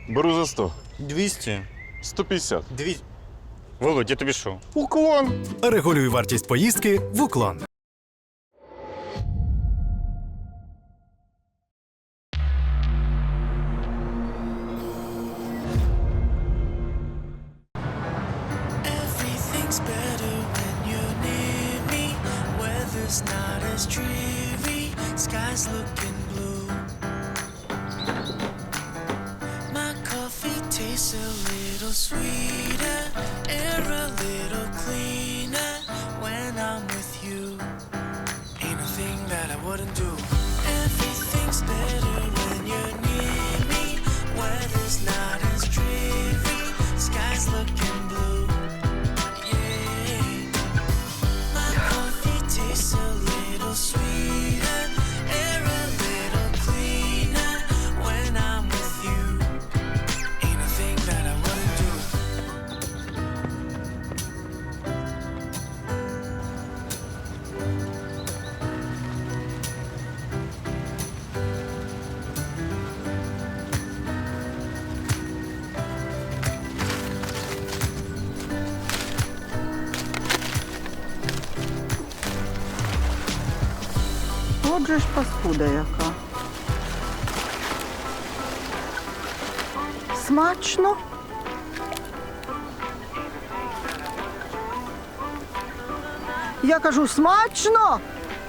Беру за 100. 200. 150. 200. Володь, я тобі що? Уклон. Регулюй вартість поїздки в Уклон. Everything's better when you're near me. Weather's not as dreary. Sky's looking blue. My coffee tastes a little sweeter. Air a little cleaner when I'm with you. Ain't a thing that I wouldn't do. Everything's better when you're near me. Weather's not as dreary. Sky's looking blue. My coffee tastes a little sweeter, air a little cleaner when I'm with you. Ain't a thing that I wouldn't do. Отже ж паскуда яка. Смачно? Я кажу, смачно?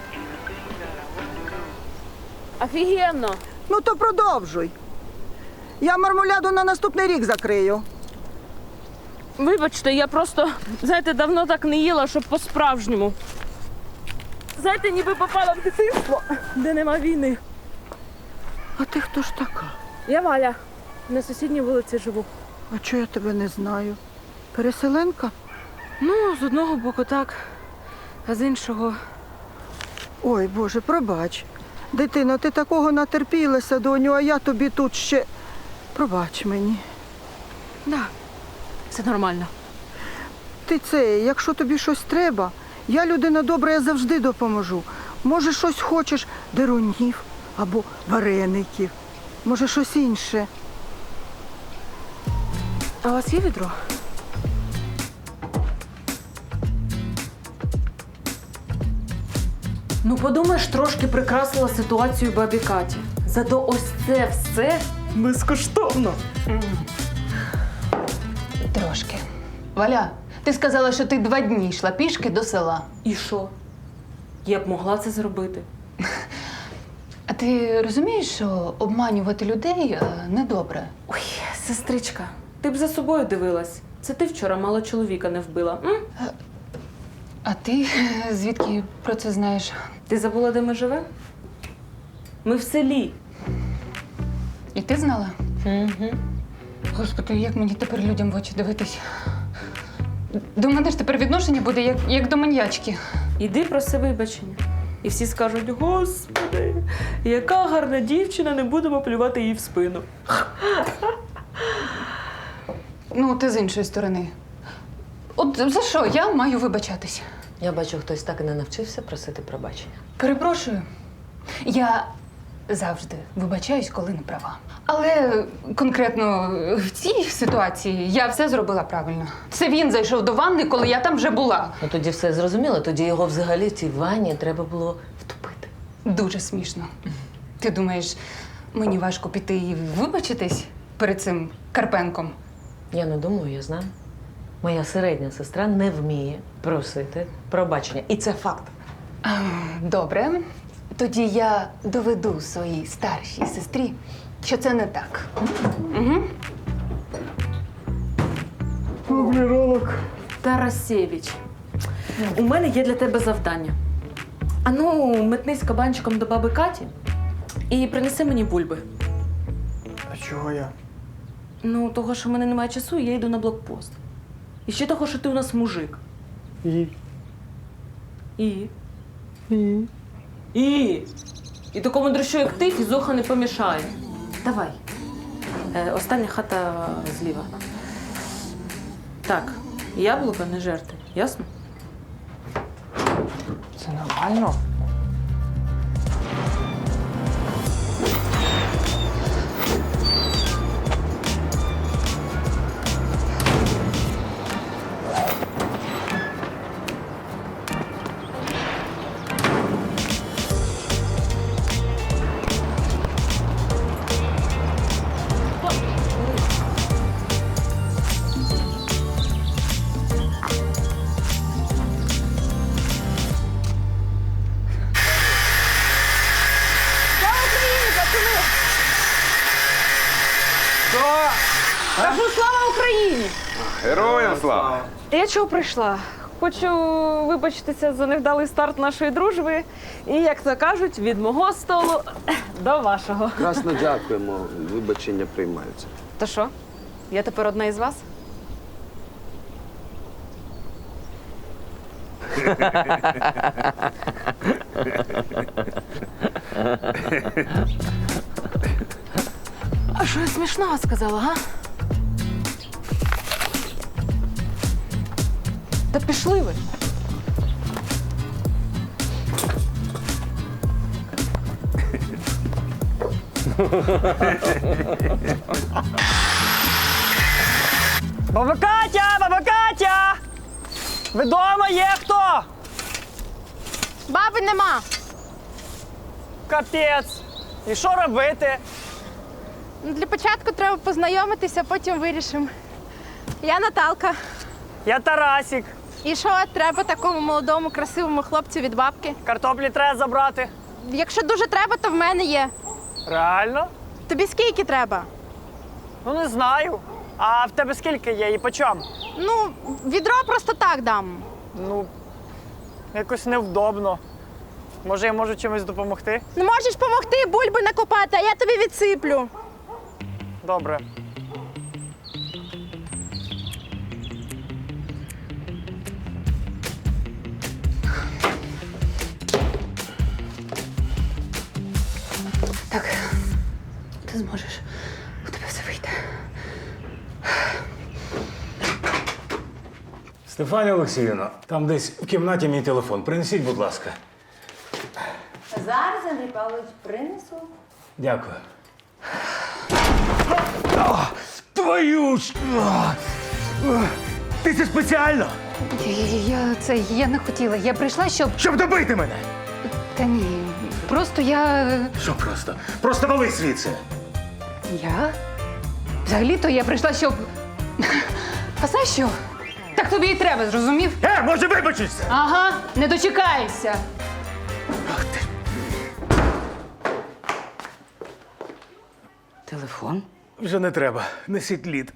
Офігенно! Ну то продовжуй. Я мармуляду на наступний рік закрию. Вибачте, я просто, знаєте, давно так не їла, щоб по-справжньому. Знаєте, ніби попала в дитинство, де нема війни. А ти хто ж така? Я Валя, на сусідній вулиці живу. А чого я тебе не знаю? Переселенка? Ну, з одного боку так, а з іншого... Ой, Боже, пробач. Дитино, ти такого натерпілася, доню, а я тобі тут ще... Пробач мені. Да, все нормально. Ти це, якщо тобі щось треба, я людина добра, я завжди допоможу. Може, щось хочеш, дерунів або вареників. Може, щось інше. А у вас є відро? Ну, подумаєш, трошки прикрасила ситуацію бабі Каті. Зато ось це все безкоштовно. Трошки. Валя, ти сказала, що ти 2 дні йшла пішки до села. І що? Я б могла це зробити. А ти розумієш, що обманювати людей недобре? Ой, сестричка, ти б за собою дивилась. Це ти вчора мало чоловіка не вбила. М? А ти звідки про це знаєш? Ти забула, де ми живемо? Ми в селі. І ти знала? Угу. Господи, як мені тепер людям в очі дивитись? До мене ж тепер відношення буде як до маньячки. Іди проси вибачення. І всі скажуть: Господи, яка гарна дівчина, не будемо плювати їй в спину. Ну, ти з іншої сторони. От за що я маю вибачатись? Я бачу, хтось так і не навчився просити пробачення. Перепрошую. Я завжди вибачаюсь, коли не права. Але конкретно в цій ситуації я все зробила правильно. Це він зайшов до ванни, коли я там вже була. Ну тоді все зрозуміло, тоді його взагалі в цій ванні треба було втопити. Дуже смішно. Ти думаєш, мені важко піти і вибачитись перед цим Карпенком? Я не думаю, я знаю. Моя середня сестра не вміє просити пробачення. І це факт. Добре. Тоді я доведу своїй старшій сестрі, що це не так. Угу. Тарасєвич, у мене є для тебе завдання. Ану, метнись кабанчиком до баби Каті і принеси мені бульби. А чого я? Ну, того, що в мене немає часу, я йду на блокпост. І ще того, що ти у нас мужик. І? І? І такому дрищу, як ти, фізуха не помішає. Давай. Остання хата зліва. Так, яблука не жерти, ясно? Це нормально? Кажу, слава Україні! Героям слава! Я чого прийшла? Хочу вибачитися за невдалий старт нашої дружби. І, як то кажуть, від мого столу до вашого. Красно дякуємо, вибачення приймаються. То що? Я тепер одна із вас? А що я смішного сказала, га? Та пішли ви. Баба Катя! Баба Катя! Ви дома є хто? Баби нема. Капець. І що робити? Ну, для початку треба познайомитися, потім вирішимо. Я Наталка. Я Тарасік. І що треба такому молодому, красивому хлопцю від бабки? Картоплі треба забрати. Якщо дуже треба, то в мене є. Реально? Тобі скільки треба? Ну не знаю. А в тебе скільки є і по чому? Ну, відро просто так дам. Ну, якось невдобно. Може, я можу чимось допомогти? Не можеш допомогти бульби накопати, а я тобі відсиплю. Добре. Так, ти зможеш. У тебе все вийде. Стефанія Олексіївна, там десь в кімнаті мій телефон. Принесіть, будь ласка. Зараз, Андрій Павлович, принесу. Дякую. Твою ж! Ти це спеціально? Я не хотіла. Я прийшла, щоб. Щоб добити мене! Та ні. Просто я. Що просто? Просто вали звідси! Я? Взагалі-то я прийшла, щоб. А знаєш що? Так тобі і треба, зрозумів? Може вибачишся? Ага, не дочекаєшся. Телефон? Вже не треба. Несіть лід.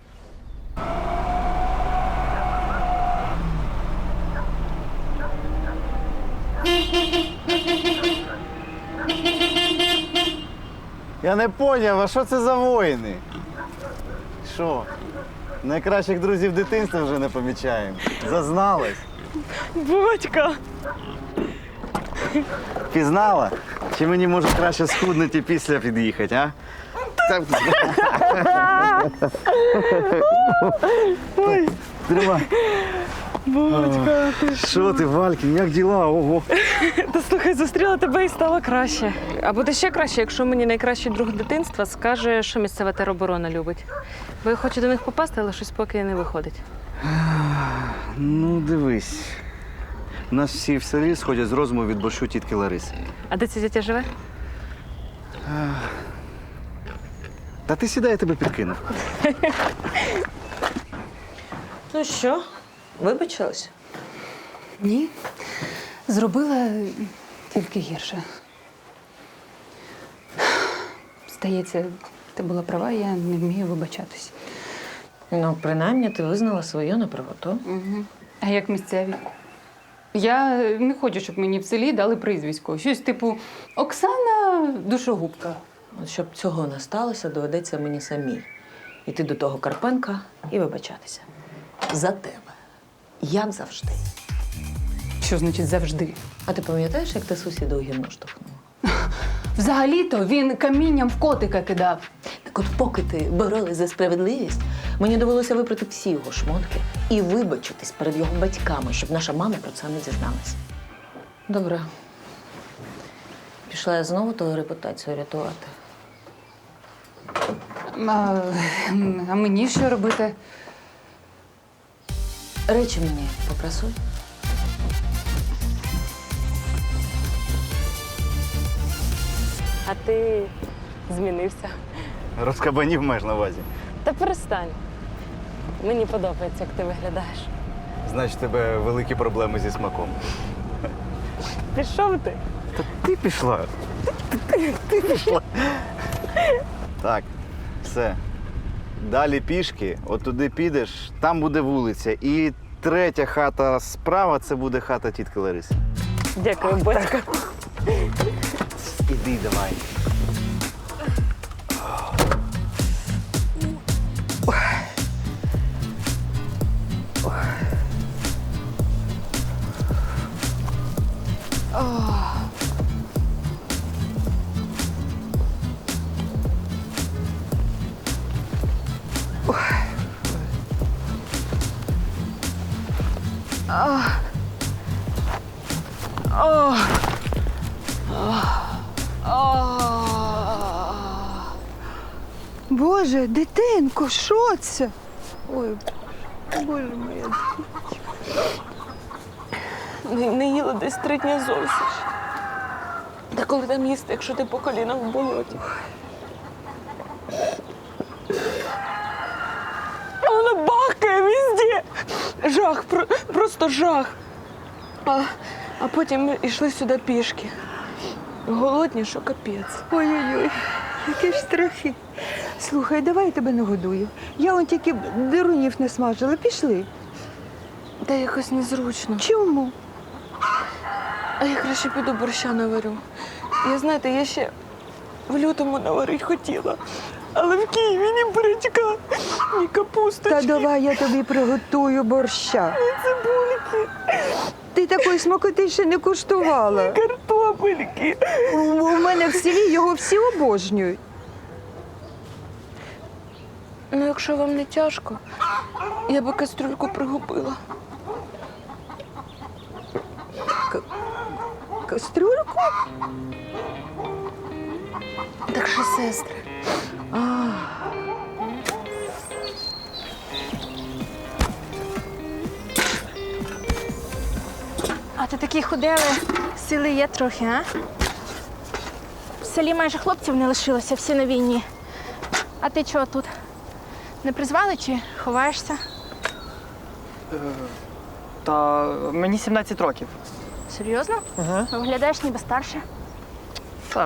Я не поняв, а що це за воїни? Що? Найкращих друзів дитинства вже не помічаємо. Зазналась. Батька! Пізнала? Чи мені може краще схуднути і після під'їхати, а? Так. Тримай. Батька, ти Що ти, Валькін, як діла? Ого. Та слухай, зустріла тебе і стало краще. А буде ще краще, якщо мені найкращий друг дитинства скаже, що місцева тероборона любить. Бо я хочу до них попасти, але щось поки не виходить. Ну, дивись. У нас всі в селі сходять з розуму від борщу тітки Лариси. А де ця дитя живе? Та ти сідай, я тебе підкинув. Ну що, вибачилась? Ні. Зробила тільки гірше. Здається, ти була права, я не вмію вибачатись. Ну, принаймні, ти визнала свою неправоту. Угу. А як місцеві? Я не хочу, щоб мені в селі дали прізвисько. Щось типу Оксана Душогубка. От щоб цього не сталося, доведеться мені самій іти до того Карпенка і вибачатися. За тебе. Як завжди. Що значить завжди? А ти пам'ятаєш, як ти сусіда у гімну штовхнула? Взагалі-то він камінням в котика кидав. Так от поки ти боролась за справедливість, мені довелося випрати всі його шмотки і вибачитись перед його батьками, щоб наша мама про це не дізналась. Добре. Пішла я знову твою репутацію рятувати. А мені що робити? Речі мені попрасуй. А ти змінився. Розкабанів маєш на увазі. Та перестань. Мені подобається, як ти виглядаєш. Значить, у тебе великі проблеми зі смаком. Пішов ти? Та ти пішла. Ти пішла. Так, все. Далі пішки, от туди підеш, там буде вулиця. І третя хата справа це буде хата тітки Лариси. Дякую, батько. Іди давай. Боже, дитинко, що це? Ой, Боже моя. Не їла десь 3 дні зовсім. Та коли там їсти, якщо ти по колінах в болоті? А вона бахкає везде. Жах, просто жах. А потім ми йшли сюди пішки. Голодні, що капець. Ой-ой-ой, які ж страхи. Слухай, давай я тебе нагодую. Я он тільки дирунів не смажила. Пішли. Та якось незручно. Чому? А я краще піду борща наварю. Я ще в лютому наварити хотіла. Але в Києві ні бурячка, ні капусточки. Та давай я тобі приготую борща. Ні цибульки, Ти такої смакоти ще не куштувала. картопельки. У мене в селі його всі обожнюють. Ну, якщо вам не тяжко, я би кастрюльку пригубила. Кастрюльку? Так що, сестри. А ти такі худели, сили є трохи, а? В селі майже хлопців не лишилося, всі на війні. А ти чого тут? Не призвали чи ховаєшся? Та мені 17 років. Серйозно? Ага. Виглядаєш ніби старше. Так.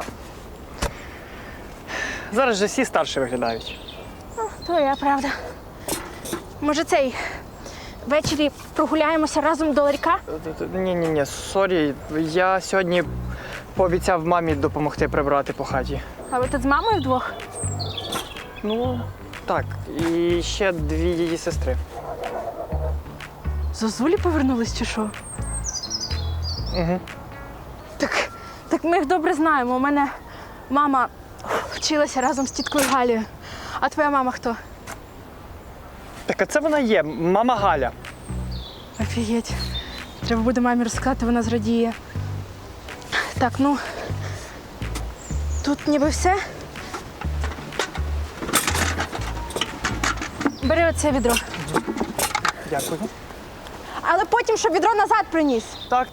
Зараз же всі старші виглядають. Твоя правда. Може, ввечері прогуляємося разом до ларька? Ні, сорі. Я сьогодні пообіцяв мамі допомогти прибрати по хаті. А ви тут з мамою вдвох? Ну, так. І ще 2 її сестри. Зозулі повернулись чи що? Угу. Так ми їх добре знаємо. У мене мама вчилася разом з тіткою Галією. А твоя мама хто? Так, а це вона є, мама Галя. Офігеть. Треба буде мамі розказати, вона зрадіє. Так, ну, тут ніби все. Бери оце відро. Дякую. Але потім, щоб відро назад приніс. Так.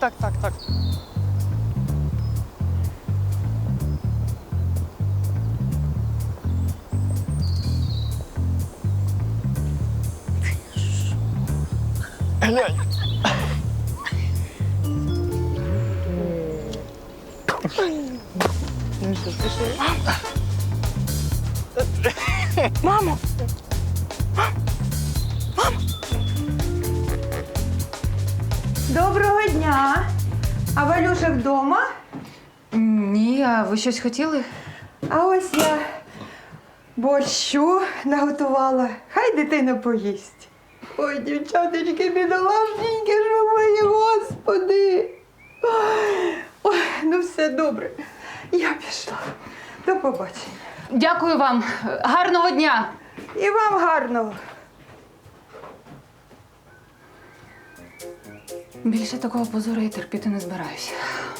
Глянь. Мамо! Доброго дня! А Валюша вдома? Ні, а ви щось хотіли? А ось я борщу наготувала. Хай дитина поїсть. Ой, дівчаточки, бідолашненькі, що мої, господи. Ой, ну все добре. Я пішла. До побачення. Дякую вам. Гарного дня. І вам гарного. Більше такого позору я терпіти не збираюся.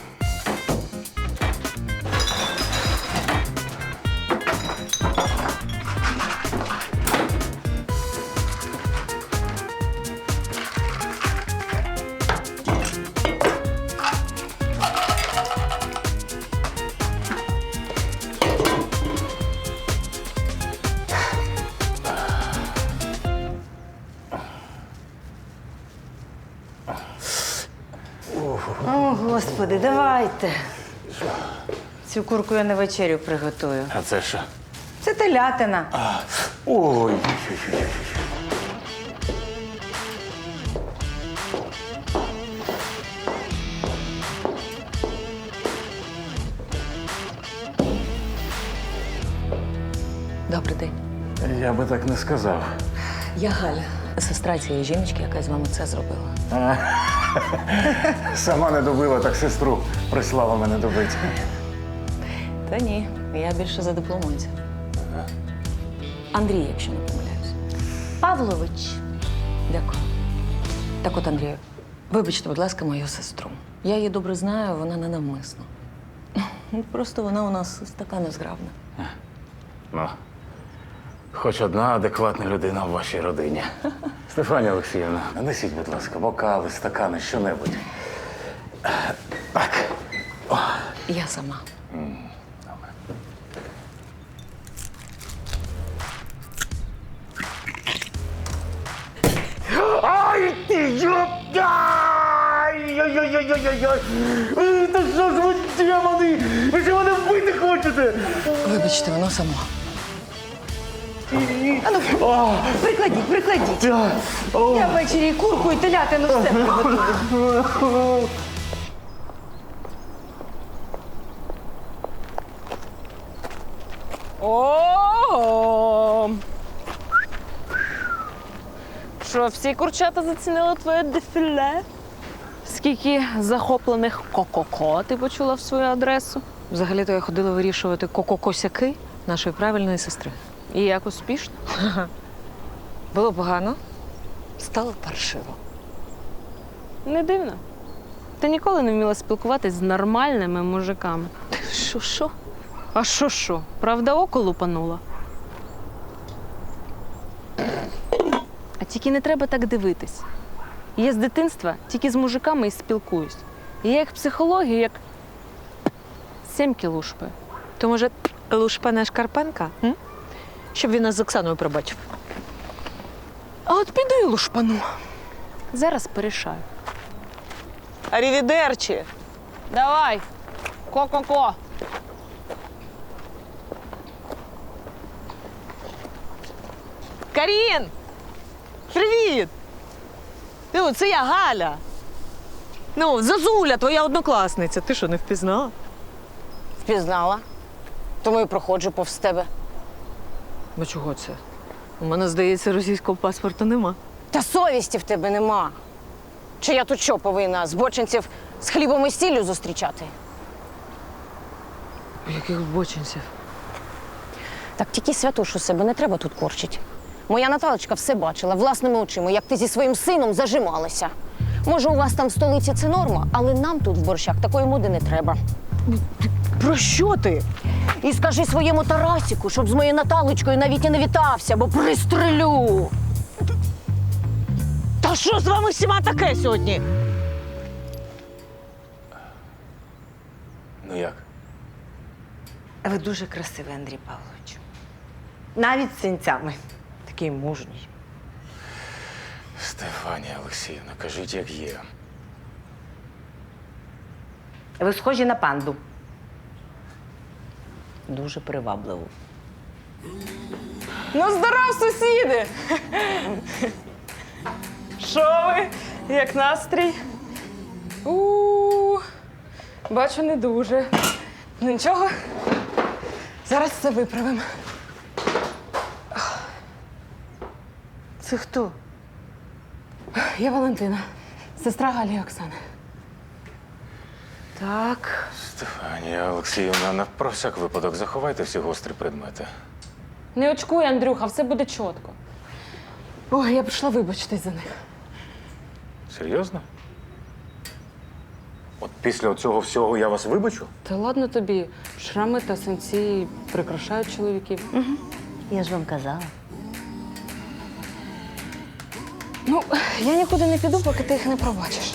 О, Господи, давайте. Цю курку я на вечерю приготую. А це що? Це Це телятина. Ой. Добрий день. Я би так не сказав. Я Галя, сестра цієї жіночки, яка з вами це зробила. Сама не добила, так сестру прислала мене добити. Та ні, я більше за дипломанця. Андрій, якщо не помиляюсь. Павлович. Дякую. Так от, Андрію, вибачте, будь ласка, мою сестру. Я її добре знаю, вона не навмисно. Просто вона у нас така незграбна. Ну, хоч одна адекватна людина в вашій родині. Стефанія Олексіївна, нанесіть, будь ласка, бокали, стакани, що-небудь. Так. Я сама. Ай, ти ёп! Ай-яй-яй-яй-яй-яй! Та що ж ви, демони? Ви що мене вбити хочете? Вибачте, воно само. Прикладіть. Я ввечері і курку, і телятину все приготую. О! Що, всі курчата зацінили твоє дефіле? Скільки захоплених ко-ко-ко ти почула в свою адресу? Взагалі-то я ходила вирішувати ко-ко-косяки нашої правильної сестри. І як успішно? Було погано, стало паршиво. Не дивно. Ти ніколи не вміла спілкуватись з нормальними мужиками. Що? А що? Правда, око лупанула? А тільки не треба так дивитись. Я з дитинства тільки з мужиками і спілкуюсь. І я їх психологію як сімки лушпаю. То, може, Лушпане Шкарпенка? М? Щоб він нас з Оксаною пробачив. А от піду і лушпану. Зараз порішаю. Арівідерчі! Давай, ко-ко-ко. Карін! Привіт! Ну, це я Галя. Ну, Зазуля, твоя однокласниця. Ти що, не впізнала? Впізнала. Тому і проходжу повз тебе. Ну чого це? У мене, здається, російського паспорта нема. Та совісті в тебе нема. Чи я тут що повинна збочинців з хлібом і сіллю зустрічати? Яких бочинців? Так тільки святошу себе не треба тут корчить. Моя Наталочка все бачила власними очима, як ти зі своїм сином зажималася. Може, у вас там в столиці це норма, але нам тут в Борщах такої моди не треба. Про що ти? І скажи своєму Тарасіку, щоб з моєю Наталочкою навіть і не вітався, бо пристрелю. Та що з вами всіма таке сьогодні? Ну як? Ви дуже красивий, Андрій Павлович. Навіть з синцями. Такий мужній. Стефанія Олексіївна, кажіть, як є. Ви схожі на панду. Дуже привабливо. Ну, здоров, сусіди! Що ви? Як настрій? Бачу, не дуже. Ну нічого. Зараз все виправимо. Це хто? Я Валентина, сестра Галі і Оксани. Так. Стефанія Олексіївна, про всяк випадок заховайте всі гострі предмети. Не очкуй, Андрюха, все буде чітко. Ой, я прийшла вибачитись за них. Серйозно? От після цього всього я вас вибачу? Та ладно тобі, шрами та синці прикрашають чоловіків. Угу. Я ж вам казала. Ну, я нікуди не піду, поки ти їх не пробачиш.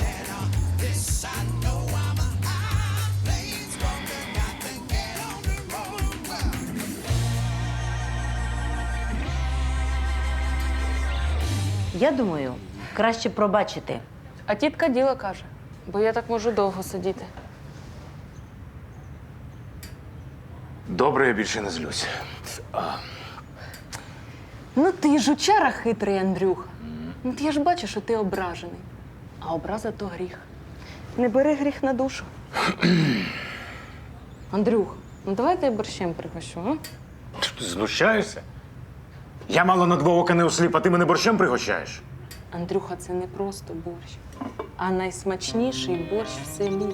Я думаю, краще пробачити. А тітка діло каже, бо я так можу довго сидіти. Добре, я більше не злюсь. Ну ти жучара хитрий, Андрюха. Ну я ж бачу, що ти ображений. А образа то гріх. Не бери гріх на душу. Андрюх, ну давай я борщем пригощу, а? Ти знущаєшся? Я мало на два ока не осліп, а ти мене борщем пригощаєш? Андрюха, це не просто борщ, а найсмачніший борщ в селі.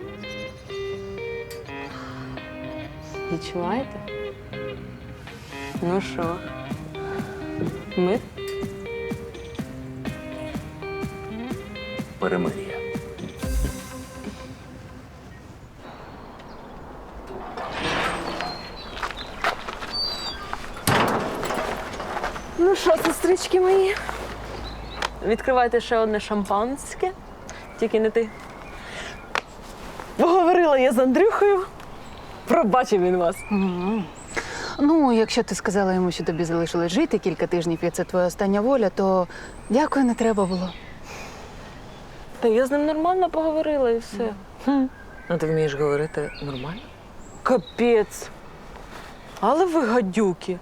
Відчуваєте? Ну що? Ми? Перемир'я. Ну що, сестрички мої? Відкривайте ще одне шампанське. Тільки не ти. Поговорила я з Андрюхою. Пробачив він вас. Ну, якщо ти сказала йому, що тобі залишилось жити кілька тижнів, і це твоя остання воля, то дякую, не треба було. Та я з ним нормально поговорила і все. А ти вмієш говорити нормально? Капець. Але ви гадюки.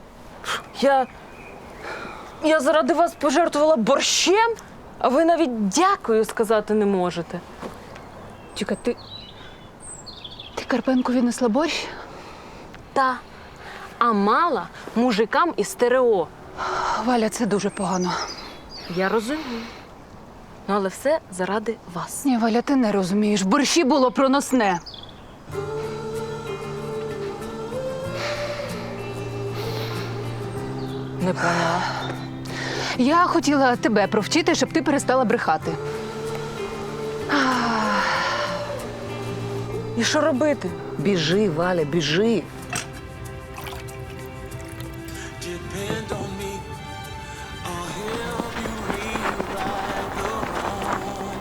Я заради вас пожертвувала борщем, а ви навіть дякую сказати не можете. Чекай, ти Карпенку віднесла борщ? Та. А мала мужикам із стерео. Валя, це дуже погано. Я розумію. Ну, але все заради вас. Ні, Валя, ти не розумієш. В борщі було проносне. Не поняла. Я хотіла тебе провчити, щоб ти перестала брехати. І що робити? Біжи, Валя, біжи. Depend on me. I'll help you rewrite the wrong.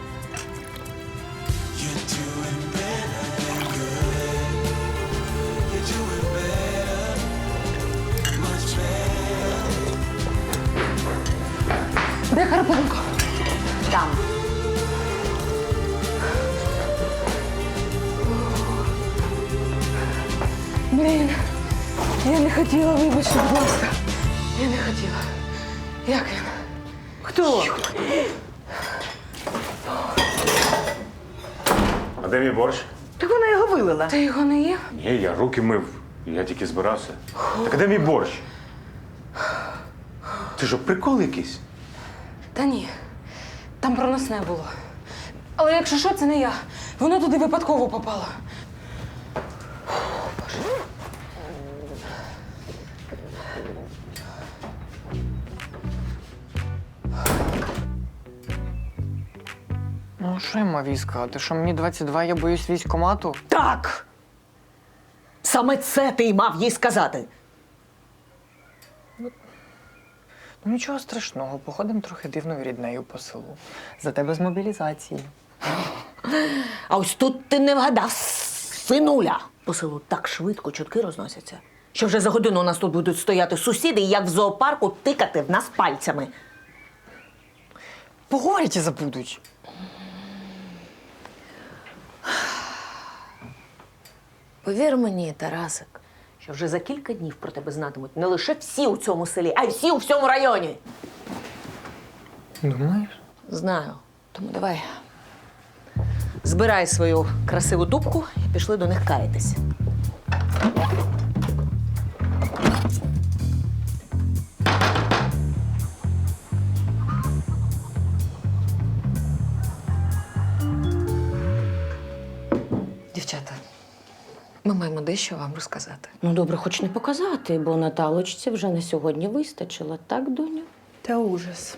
You're doing better than good. You're doing better, much better. Де Карпенко? Там. Блін, я не хотіла, вибачте, будь ласка. Я не хотіла. Як він? Хто? А де мій борщ? Так вона його вилила. Ти його не їв? Ні, я руки мив. Я тільки збирався. Так а де мій борщ? Ти що, прикол якийсь? Та ні. Там проносне було. Але якщо що, це не я. Воно туди випадково попало. Ну, що я мав їй сказати? Що мені 22, я боюсь військкомату? Так! Саме це ти й мав їй сказати. Ну, нічого страшного, походимо трохи дивною ріднею по селу. Зате без мобілізації. А ось тут ти не вгадав, синуля. По селу так швидко чутки розносяться, що вже за годину у нас тут будуть стояти сусіди і як в зоопарку тикати в нас пальцями. Поговорять і забудуть. Повір мені, Тарасик, що вже за кілька днів про тебе знатимуть не лише всі у цьому селі, а й всі у всьому районі. Думаєш? Знаю. Тому давай. Збирай свою красиву дубку і пішли до них каятись. Дівчата, ми маємо дещо вам розказати. Ну, добре, хоч не показати, бо Наталочці вже на сьогодні вистачило, так, доню? Та ужас.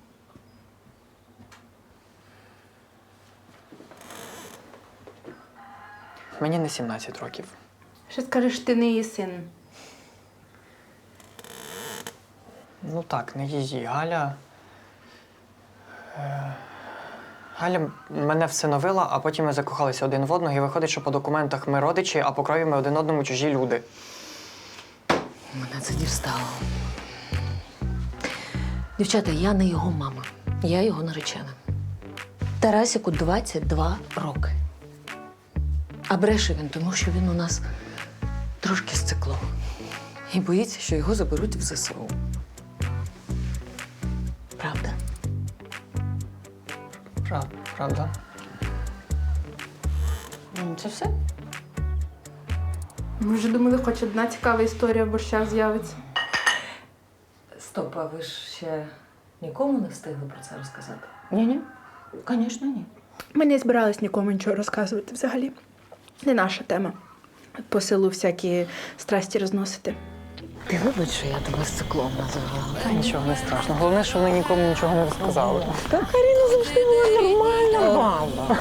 Мені не 17 років. Що скажеш, ти не її син? Ну так, не її. Галя. Галя мене всиновила, а потім ми закохалися один в одного, і виходить, що по документах ми родичі, а по крові ми один одному чужі люди. Мене це дістало. Дівчата, я не його мама. Я його наречена. Тарасику 22 роки. А бреше він, тому що він у нас трошки з циклом. І боїться, що його заберуть в ЗСУ. Правда? Правда. Це все? Ми вже думали, хоч одна цікава історія в борщах з'явиться. Стоп, а ви ж ще нікому не встигли про це розказати? Ні-ні, звісно, ні. Ми не збирались нікому нічого розказувати взагалі. Не наша тема. По селу всякі страсті розносити. Ти вибач, що я тебе з циклом називала. Та нічого не страшно. Головне, що вони нікому нічого не розказали. Та Каріна завжди була нормальна баба.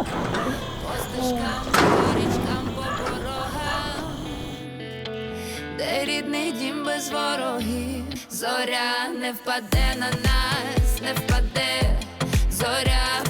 Де рідний дім без ворогів, зоря не впаде на нас, не впаде, зоря